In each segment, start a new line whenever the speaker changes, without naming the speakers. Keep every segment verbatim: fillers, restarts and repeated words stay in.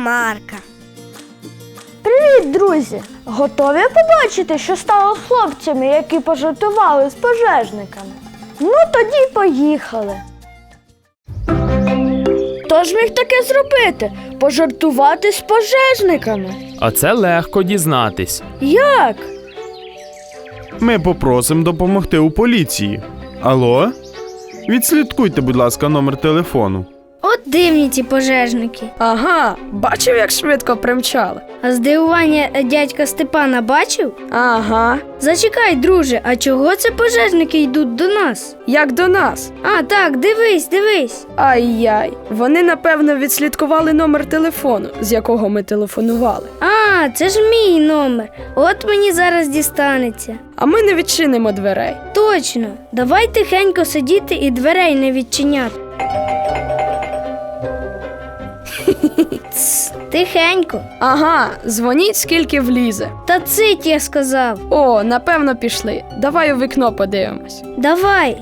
Марка.
Привіт, друзі! Готові побачити, що стало з хлопцями, які пожартували з пожежниками? Ну, тоді поїхали. Хто ж міг таке зробити? Пожартувати з пожежниками?
А це легко дізнатись.
Як?
Ми попросимо допомогти у поліції. Алло? Відслідкуйте, будь ласка, номер телефону.
От дивні ці пожежники.
Ага, бачив, як швидко примчали.
А здивування дядька Степана бачив?
Ага,
Зачекай, друже, а чого це пожежники йдуть до нас?
як до нас.
А, так, дивись, дивись.
Ай-яй, вони, напевно, відслідкували номер телефону, з якого ми телефонували.
А, це ж мій номер. От мені зараз дістанеться.
А ми не відчинимо дверей.
Точно. Давай тихенько сидіти і дверей не відчиняти. Тс, тихенько.
Ага, дзвоніть, скільки влізе.
Та цить, я сказав.
О, напевно, пішли. Давай у вікно подивимось.
Давай.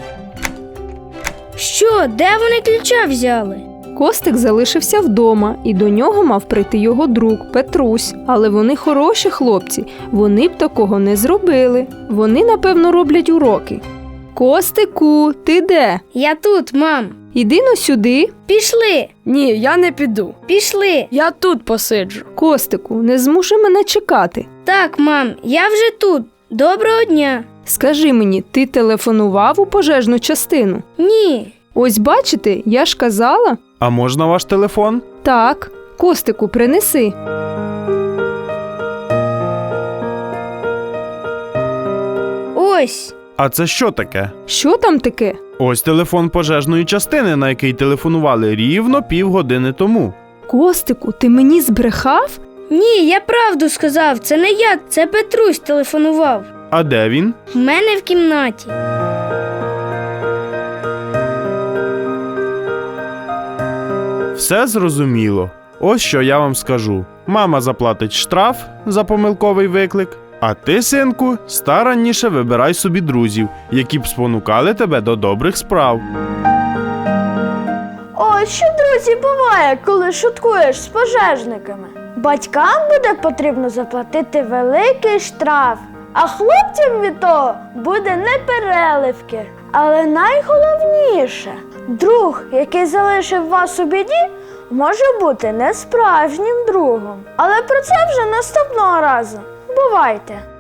Що, де вони ключа взяли?
Костик залишився вдома, і до нього мав прийти його друг Петрусь. Але вони хороші хлопці, вони б такого не зробили. Вони, напевно, роблять уроки. Костику, ти де?
Я тут, мам.
Іди но сюди.
Пішли,
Ні, я не піду.
пішли.
Я тут посиджу.
Костику, не змушуй мене чекати.
Так, мам, я вже тут. Доброго дня.
Скажи мені, ти телефонував у пожежну частину?
Ні.
Ось бачите, я ж казала.
А можна ваш телефон?
Так, Костику, принеси.
Ось.
А це що таке?
Що там таке?
Ось телефон пожежної частини, на який телефонували рівно півгодини тому.
Костику, ти мені збрехав?
Ні, я правду сказав. Це не я, це Петрусь телефонував.
А де він?
В мене в кімнаті.
Все зрозуміло. Ось що я вам скажу. Мама заплатить штраф за помилковий виклик, а ти, синку, старанніше вибирай собі друзів, які б спонукали тебе до добрих справ.
Ось що, друзі, буває, коли шуткуєш з пожежниками. Батькам буде потрібно заплатити великий штраф, а хлопцям від того буде непереливки. Але найголовніше, друг, який залишив вас у біді, може бути не справжнім другом. Але про це вже наступного разу. Бувайте!